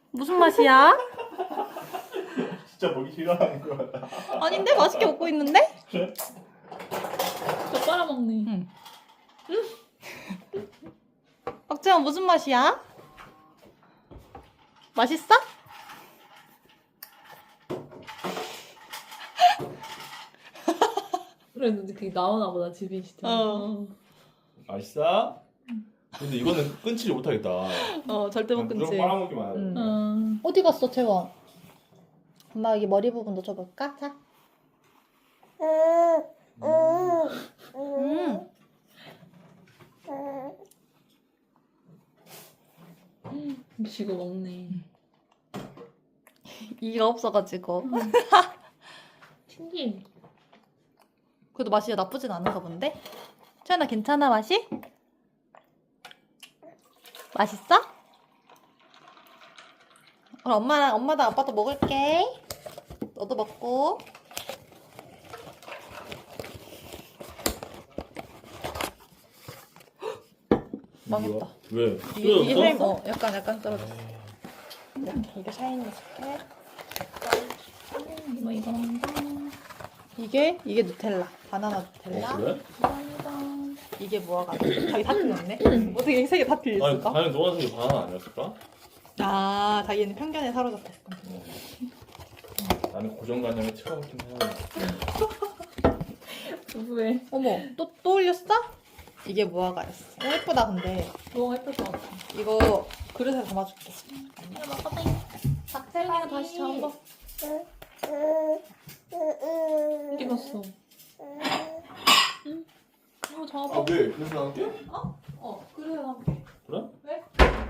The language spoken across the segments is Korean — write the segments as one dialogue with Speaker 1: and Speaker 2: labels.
Speaker 1: 무슨 맛이야?
Speaker 2: 진짜 먹기 싫어하는 거 같다.
Speaker 1: 아닌데? 맛있게 먹고 있는데?
Speaker 2: 그래?
Speaker 3: 저 빨아먹네.
Speaker 1: 응. 박재원 무슨 맛이야? 맛있어?
Speaker 3: 그래도 그게 나오나 보다 집이 진짜.
Speaker 2: 맛있어? 근데 이거는 끊지를 못하겠다.
Speaker 1: 절대 못
Speaker 2: 무조건
Speaker 1: 끊지.
Speaker 2: 빨아먹기만 하네.
Speaker 1: 어디 갔어, 채원? 엄마 여기 머리 부분도 줘볼까? 자.
Speaker 3: 미치고 먹네.
Speaker 1: 이가 없어가지고.
Speaker 3: 신기해.
Speaker 1: 그래도 맛이 나쁘진 않은가 본데? 채원아 괜찮아 맛이? 맛있어? 그럼 엄마도 아빠도 먹을게. 너도 먹고. 망했다.
Speaker 2: 왜?
Speaker 1: 이게 샤인,
Speaker 2: 떨어졌어?
Speaker 1: 약간 떨어졌어. 이게 샤인머스켓.
Speaker 3: 이거 한다.
Speaker 1: 이게 누텔라. 바나나 누텔라.
Speaker 2: 그래?
Speaker 1: 이게 뭐가지고 자기 다 틀렸네. 어떻게 세 개 다
Speaker 2: 아니,
Speaker 1: 틀렸을까?
Speaker 2: 당연히 노란색이 바나나 아니었을까?
Speaker 1: 아, 자기는 편견에 사로잡혔을 건데.
Speaker 2: 나는 고정관념에 틀어먹긴 해.
Speaker 3: 왜?
Speaker 1: 어머, 또 올렸어? 이게 무화과였어. 예쁘다 근데.
Speaker 3: 너무 예쁠 것 같아.
Speaker 1: 이거 그릇에 담아줄게.
Speaker 3: 야, 막아다잉. 박세린이가 다시 잡아. 어디 갔어? 응? 이거 잡아.
Speaker 2: 아, 왜? 그래서 나올게?
Speaker 1: 그릇에 담게.
Speaker 2: 그래?
Speaker 1: 왜?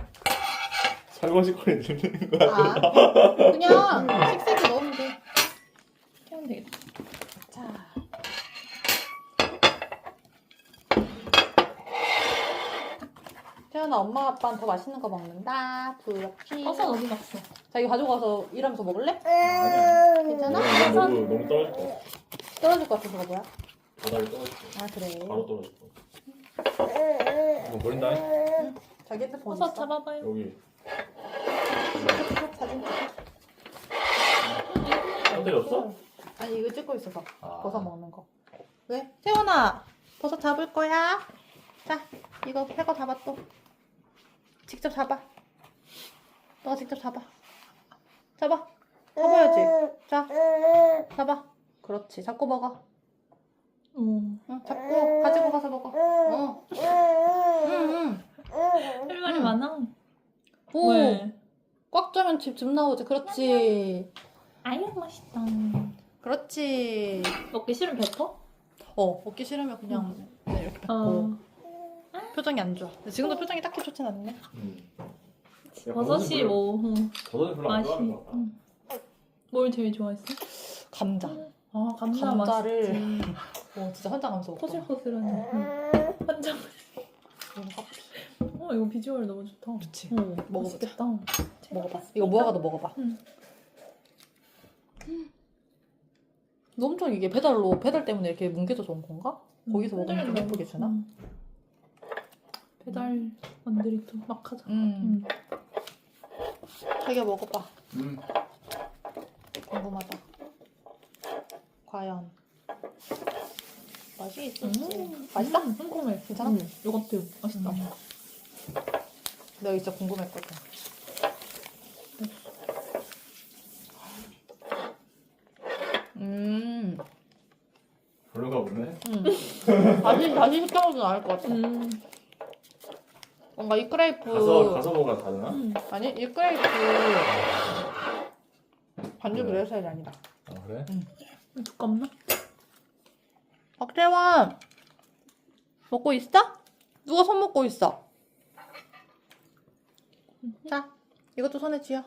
Speaker 2: 설거지거리 들리는 거 아니야?
Speaker 1: 그냥 식세기 넣으면 돼. 이렇게 하면 되겠다. 자. 태연아, 엄마 아빠는 더 맛있는 거 먹는다. 부럽지.
Speaker 3: 버섯 어디 갔어?
Speaker 1: 자기 가져가서 일하면서 먹을래?
Speaker 2: 아니야.
Speaker 1: 괜찮아?
Speaker 2: 너무 떨어질 거 같아.
Speaker 1: 떨어질 것 같아서 뭐야?
Speaker 2: 바닥에 떨어질 거
Speaker 1: 아 그래.
Speaker 2: 바로 떨어질 거 이거 버린다.
Speaker 1: 자기 핸드폰
Speaker 3: 버섯
Speaker 1: 있어?
Speaker 3: 잡아봐요.
Speaker 2: 여기.
Speaker 1: 사진 찍어.
Speaker 2: 배터리 없어?
Speaker 1: 아니 이거 찍고 있어서
Speaker 2: 아.
Speaker 1: 버섯 먹는 거. 왜? 태연아, 버섯 잡을 거야? 자, 이거 새거 잡아 또. 직접 잡아. 너가 직접 잡아. 잡아. 잡아야지. 자, 잡아. 그렇지. 잡고 먹어. 응, 잡고 가지고 가서 먹어. 응.
Speaker 3: 할 말이 많아.
Speaker 1: 오,
Speaker 3: 왜?
Speaker 1: 꽉 짜면 즙 나오지. 그렇지.
Speaker 3: 아유 맛있다.
Speaker 1: 그렇지.
Speaker 3: 먹기 싫으면 뱉어?
Speaker 1: 먹기 싫으면 그냥 이렇게 뱉고. 표정이 안 좋아. 근데 지금도 표정이 딱히 좋진 않네.
Speaker 3: 버섯이 뭐
Speaker 2: 버섯은 별로 안
Speaker 3: 맛이.
Speaker 2: 좋아하는 거 같아.
Speaker 3: 뭘 제일 좋아했어?
Speaker 1: 감자.
Speaker 3: 아 감자
Speaker 1: 감자를
Speaker 3: 맛있지.
Speaker 1: 진짜 환장하면서 먹고.
Speaker 3: 포슬포슬하네. 환장. 이거 비주얼 너무 좋다.
Speaker 1: 그치.
Speaker 3: 먹어보자.
Speaker 1: 먹어보자.
Speaker 3: 맛있겠다.
Speaker 1: 먹어봐. 이거 무화과도 먹어봐.
Speaker 3: 응.
Speaker 1: 너 엄청 이게 배달 때문에 이렇게 뭉개져 좋은 건가? 거기서 먹으면 좀 예쁘게 주나?
Speaker 3: 배달 원들이 또 막 하자.
Speaker 1: 자기가 먹어봐. 궁금하다. 과연 맛이 있을지. 맛있어?
Speaker 3: 궁금해.
Speaker 1: 괜찮아?
Speaker 3: 요거트 맛있다.
Speaker 1: 내가 진짜 궁금했거든.
Speaker 2: 별로가 보네.
Speaker 1: 다시 시켜먹으면 나을 것 같아. 뭔가 이 크레이프.
Speaker 2: 가서 먹어야 다르나?
Speaker 1: 아니, 이 크레이프 반죽
Speaker 2: 그래.
Speaker 1: 이럴 스타일이 아니다.
Speaker 2: 아 그래?
Speaker 3: 두껍나?
Speaker 1: 박재원 먹고 있어? 누가 손 먹고 있어? 자, 이것도 손에 쥐어.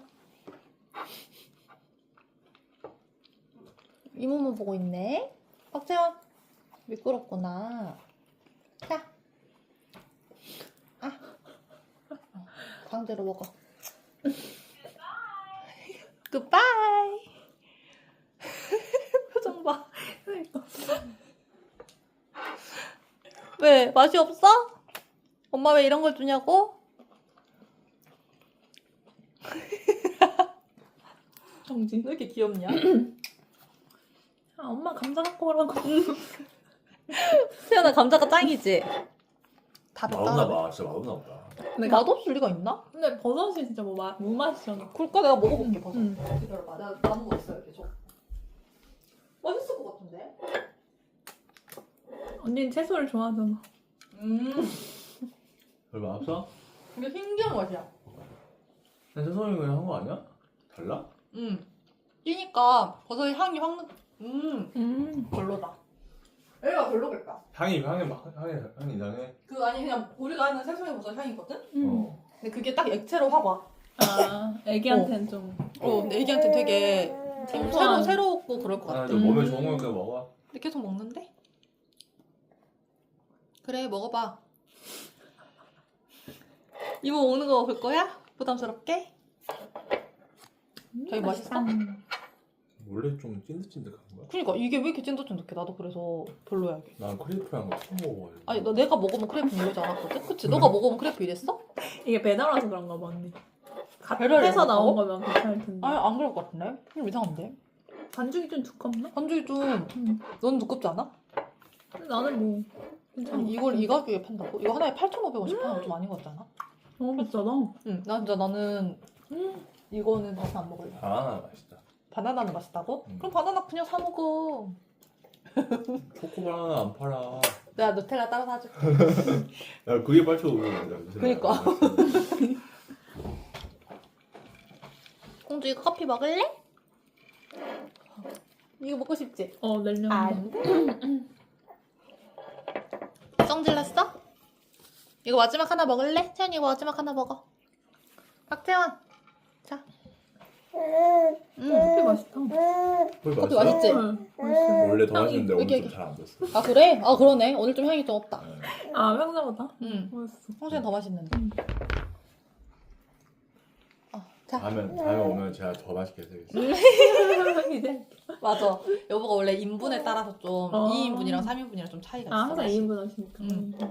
Speaker 1: 이모모 보고 있네. 박재원 미끄럽구나. 자, 강제로 먹어. 굿바이. 표정 봐. 왜? 맛이 없어? 엄마 왜 이런 걸 주냐고?
Speaker 3: 정지.
Speaker 1: 왜 이렇게 귀엽냐?
Speaker 3: 아, 엄마 감자 갖고 오라고.
Speaker 1: 세연아 감자가 짱이지? 다
Speaker 2: 맛없나
Speaker 1: 맵다.
Speaker 2: 봐. 진짜 맛없나 보다.
Speaker 3: 내가
Speaker 1: 맛없을 리가 있나?
Speaker 3: 근데 버섯이 진짜 뭐 무맛이잖아.
Speaker 1: 그럴까? 내가 먹어볼게 버섯.
Speaker 3: 응.
Speaker 1: 기다려봐. 내가 남은 거 있어요 계속. 맛있을 것 같은데?
Speaker 3: 언니는 채소를 좋아하잖아.
Speaker 2: 별로 맛없어?
Speaker 1: 이게 신기한 맛이야.
Speaker 2: 근데 세성이 그냥 한 거 아니야? 달라?
Speaker 1: 찌니까 버섯의 향이 확 나. 별로다. 얘가 별로겠다.
Speaker 2: 향이 이상해.
Speaker 1: 그 아니 그냥 우리가 하는 생선의 버섯 향이거든?
Speaker 2: 어.
Speaker 1: 근데 그게 딱 액체로 확 와.
Speaker 3: 아, 애기한테는 좀.
Speaker 1: 근데 애기한테 되게
Speaker 3: 생소한.
Speaker 1: 새롭고 그럴 것
Speaker 2: 아,
Speaker 1: 같아.
Speaker 2: 좀 몸에 좋은 거니까 먹어.
Speaker 1: 근데 계속 먹는데? 그래 먹어봐. 이모 먹는 거 볼 거야? 부담스럽게? 자기 맛있어?
Speaker 2: 원래 좀 찐득찐득한 거야?
Speaker 1: 그니까 이게 왜 이렇게 찐득찐득해? 나도 그래서 별로야 이게.
Speaker 2: 난 크레이프랑 거 처음 먹어가지고.
Speaker 1: 아니 내가 먹으면 크레이프 이러지 않았거든? 그치? 너가 먹으면 크레이프 이랬어?
Speaker 3: 이게 배달 와서 그런가 봐, 언니.
Speaker 1: 배달을
Speaker 3: 해서 나온
Speaker 1: 먹어?
Speaker 3: 거면 괜찮을 텐데.
Speaker 1: 아니 안 그럴 것 같은데? 좀 이상한데?
Speaker 3: 반죽이 좀 두껍나?
Speaker 1: 반죽이 좀 넌 두껍지 않아?
Speaker 3: 근데 나는 뭐 괜찮아.
Speaker 1: 아니 이걸 이 가격에 판다고? 이거 하나에 8,500원씩 파는 좀 아닌 것 같지 않아?
Speaker 3: 너무 비싸다.
Speaker 1: 응, 나는 이거는 다시 안 먹을래.
Speaker 2: 바나나 맛있다.
Speaker 1: 바나나는 맛있다고?
Speaker 2: 음.
Speaker 1: 그럼 바나나 그냥 사 먹어.
Speaker 2: 초코 바나나 안 팔아.
Speaker 1: 내가 누텔라 따로 사줄게.
Speaker 2: 야 그게 8,500원이야.
Speaker 1: 그니까. 공주 이거 커피 먹을래? 이거 먹고 싶지?
Speaker 3: 내려놓는
Speaker 1: 안 돼. 썽 질렀어? 이거 마지막 하나 먹을래? 채연이 이거 마지막 하나 먹어. 박채원. 자.
Speaker 3: 커피 맛있다.
Speaker 1: 커피 맛있지?
Speaker 3: 맛있어.
Speaker 2: 원래 더
Speaker 3: 향이
Speaker 2: 맛있는데
Speaker 1: 여기,
Speaker 2: 오늘 좀
Speaker 1: 여기.
Speaker 2: 잘 안 됐어.
Speaker 1: 아 그래? 아 그러네. 오늘 좀 향이 좀 없다.
Speaker 3: 아, 평소보다?
Speaker 1: 응.
Speaker 3: 맛있어.
Speaker 1: 평소엔 더 맛있는데. 자.
Speaker 2: 다음에 오면 제가 더 맛있게 해드리겠습니다.
Speaker 3: 이제.
Speaker 1: 맞아. 여보가 원래 인분에 따라서 좀 2인분이랑 3인분이랑 좀 차이가 있어.
Speaker 3: 아, 항상 2인분 하시니까.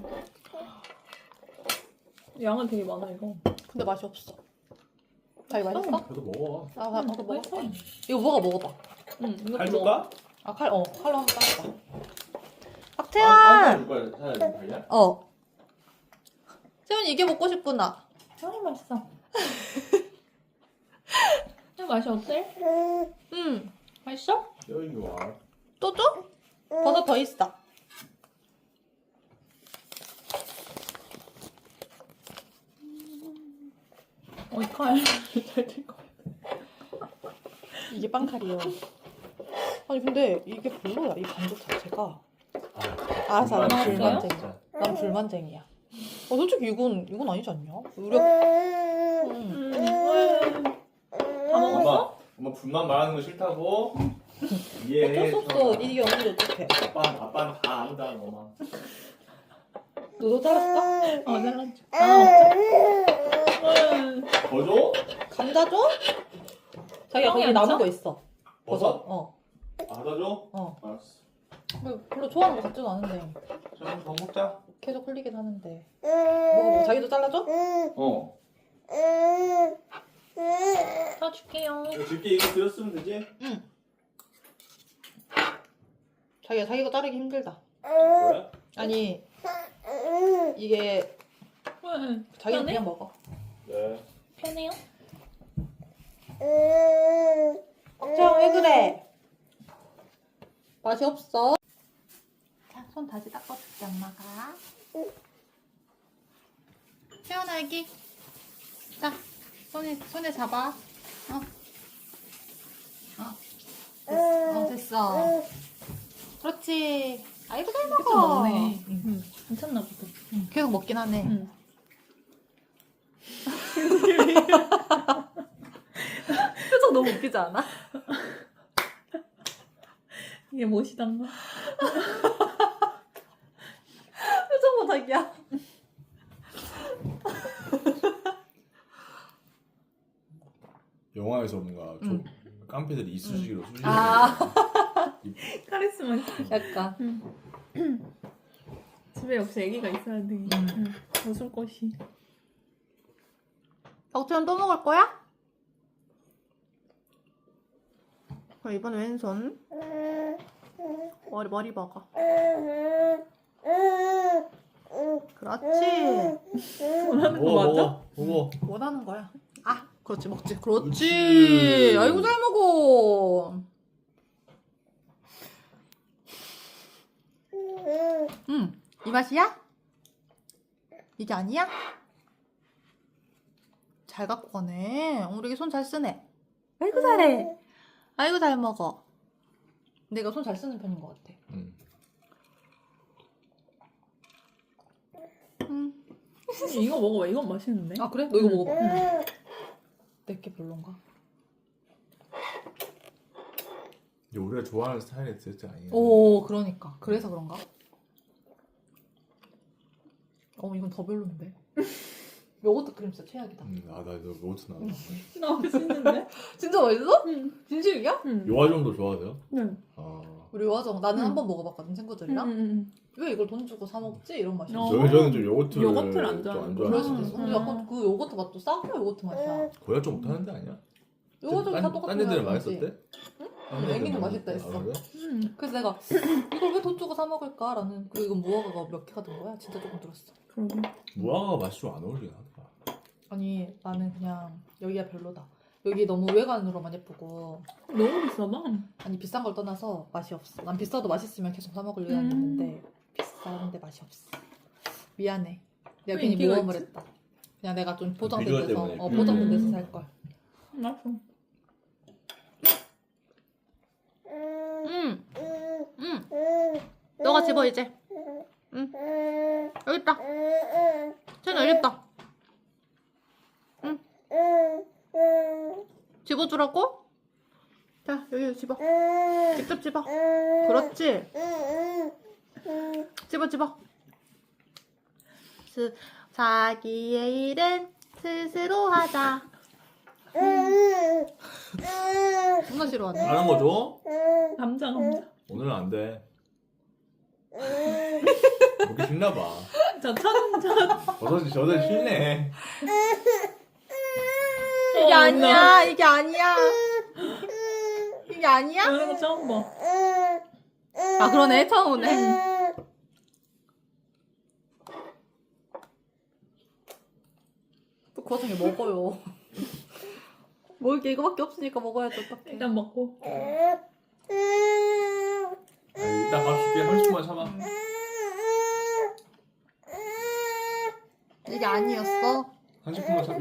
Speaker 3: 양은 되게 많아, 이거.
Speaker 1: 근데 맛이 없어. 자기 맛있어?
Speaker 2: 그래도 먹어.
Speaker 1: 아, 나도 먹어.
Speaker 3: 맛있어.
Speaker 1: 이거 뭐가 먹어봐.
Speaker 3: 이것도
Speaker 2: 칼
Speaker 3: 먹어.
Speaker 2: 줄까?
Speaker 1: 아, 칼로 한번 따르자.
Speaker 2: 아,
Speaker 1: 박채원!
Speaker 2: 줄 거야. 사야 되냐?
Speaker 1: 채원이 이게 먹고 싶구나.
Speaker 3: 맛있어. 맛이 어때? 맛있어?
Speaker 2: 여기 와.
Speaker 1: 또 줘? 버섯 더 있어.
Speaker 3: 칼. 잘 될 거.
Speaker 1: 이게 빵칼이요. 아니 근데 이게 별로야. 이 반죽 자체가. 알았어. 난
Speaker 3: 맛있어요?
Speaker 1: 불만쟁이야. 난 불만쟁이야. 솔직히 이건 아니지 않냐? 우리
Speaker 3: 다 먹었어?
Speaker 2: 엄마 불만 말하는 거 싫다고? 이해해.
Speaker 1: 어쩔 수 없어. 이게 없는데 어떡해.
Speaker 2: 아빠는 다 안다 엄마.
Speaker 1: 너도 잘랐어?
Speaker 3: 잘랐지. 먹자.
Speaker 2: 더 줘?
Speaker 1: 감자 줘? 자기야
Speaker 3: 형이
Speaker 1: 거기
Speaker 3: 안
Speaker 1: 남은
Speaker 3: 줘?
Speaker 1: 거 있어.
Speaker 2: 버섯?
Speaker 1: 어.
Speaker 2: 아, 더 줘?
Speaker 1: 어.
Speaker 2: 알았어.
Speaker 1: 별로 좋아하는 거 같지도 않은데.
Speaker 2: 좀 더 먹자.
Speaker 1: 계속 흘리긴 하는데. 뭐 자기도 잘라줘?
Speaker 2: 어.
Speaker 3: 사줄게요.
Speaker 2: 줄게 이거 드렸으면 되지?
Speaker 1: 자기가 자르기 힘들다.
Speaker 2: 그래?
Speaker 1: 아니 이게 자기는
Speaker 3: 편해?
Speaker 1: 그냥 먹어.
Speaker 2: 네.
Speaker 3: 편해요?
Speaker 1: 박채영 왜 그래? 맛이 없어. 자, 손 다시 닦아줄게 엄마가. 채연아 여기. 자, 손에 잡아. 됐어. 그렇지. 아이고 잘 먹어.
Speaker 3: 그쵸, 먹네. 괜찮나 보다.
Speaker 1: 계속 먹긴 하네. 표정 너무 웃기지 않아?
Speaker 3: 이게 무엇이단가?
Speaker 1: 표정 봐 자기야.
Speaker 2: 영화에서 뭔가 좀 깡패들이 이쑤시개로 쑤시는
Speaker 1: 아.
Speaker 3: 카리스마.
Speaker 1: 약간.
Speaker 3: 집에 역시 애기가 있어야 돼. 웃을 것이.
Speaker 1: 박채연 또 먹을 거야? 그럼 이번에 왼손. 머리 먹어. 그렇지.
Speaker 2: 먹어.
Speaker 1: 원하는 거야. 아, 그렇지, 먹지. 그렇지.
Speaker 2: 그렇지.
Speaker 1: 아이고, 잘 먹어. 이 맛이야? 이게 아니야? 잘 갖고 가네. 우리 애기 손 잘 쓰네. 아이고, 잘해. 아이고, 잘 먹어. 내가 손 잘 쓰는 편인 것 같아.
Speaker 3: 이거 먹어봐. 이건 맛있는데.
Speaker 1: 아, 그래? 너 이거 먹어봐. 내게 별론가?
Speaker 2: 우리가 좋아하는 스타일의 디저트 아니야?
Speaker 1: 오, 그러니까. 그래서 그런가? 이건 더 별론데. 요거트 크림 진짜 최악이다.
Speaker 2: 나 이거 로트 나.
Speaker 3: 나 맛있는데?
Speaker 1: 진짜 맛있어?
Speaker 3: 응.
Speaker 1: 진실이야?
Speaker 3: 응.
Speaker 2: 요아정도 좋아하세요?
Speaker 3: 응.
Speaker 1: 우리 요아정 나는
Speaker 3: 응.
Speaker 1: 한 번 먹어봤거든 친구들이랑.
Speaker 3: 응.
Speaker 1: 왜 이걸 돈 주고 사 먹지? 이런 맛이었어.
Speaker 2: 저는 좀 요거트를
Speaker 3: 요거트를 안
Speaker 2: 좀
Speaker 3: 좋아하는
Speaker 1: 그럴 수도 있어.
Speaker 3: 음.
Speaker 1: 근데 약간 그 요거트 맛도 싸고 요거트 맛이야.
Speaker 2: 고야 좀 못하는 데 아니야?
Speaker 1: 요거트는 다 똑같은
Speaker 2: 딴 데들은
Speaker 1: 거야, 그치?
Speaker 2: 맛있었대?
Speaker 1: 응, 애기는 맛있다 했어.
Speaker 2: 아, 그래?
Speaker 3: 응.
Speaker 1: 그래서 내가 이걸 왜 돈 주고 사 먹을까라는. 그리고 이건 무화과가 몇 개가 든 거야? 진짜 조금 들었어.
Speaker 3: 그러게.
Speaker 2: 무화과가 맛이 좀 안 어울리긴 하더라.
Speaker 1: 아니 나는 그냥 여기가 별로다. 여기 너무 외관으로만 예쁘고.
Speaker 3: 너무 비싸다.
Speaker 1: 아니 비싼 걸 떠나서 맛이 없어. 난 비싸도 맛있으면 계속 사 먹을 의향이 있는데 비싼데 맛이 없어. 미안해. 내가
Speaker 3: 왜
Speaker 1: 괜히
Speaker 3: 인기가
Speaker 1: 모험을
Speaker 3: 있지?
Speaker 1: 했다. 그냥 내가 좀 보장된
Speaker 2: 비주얼
Speaker 1: 데서
Speaker 2: 때문에.
Speaker 1: 보장된 데서 살 걸.
Speaker 3: 맛있어.
Speaker 1: 너가 집어 이제. 여기 있다. 쟤는 여기 있다. 집어주라고? 자 여기 집어. 직접 집어. 그렇지. 집어. 자기의 일은 스스로 하자. 존나 싫어하네.
Speaker 2: 하는 거 줘?
Speaker 3: 감자.
Speaker 2: 오늘은 안 돼. 먹기 싫나 봐.
Speaker 3: 자, 첫.
Speaker 2: 버섯이 저들 싫네.
Speaker 1: 이게 아니야. 이게 아니야. 이게 아니야?
Speaker 3: 이런 거 처음 봐.
Speaker 1: 아 그러네. 처음 오네. 또 그 와중에 먹어요. 먹을 게 이거밖에 없으니까 먹어야지 어떡해.
Speaker 3: 일단 먹고.
Speaker 2: 아니, 이따 밥 줄게. 30분만 참아.
Speaker 1: 이게 아니었어.
Speaker 2: 30분만 참아.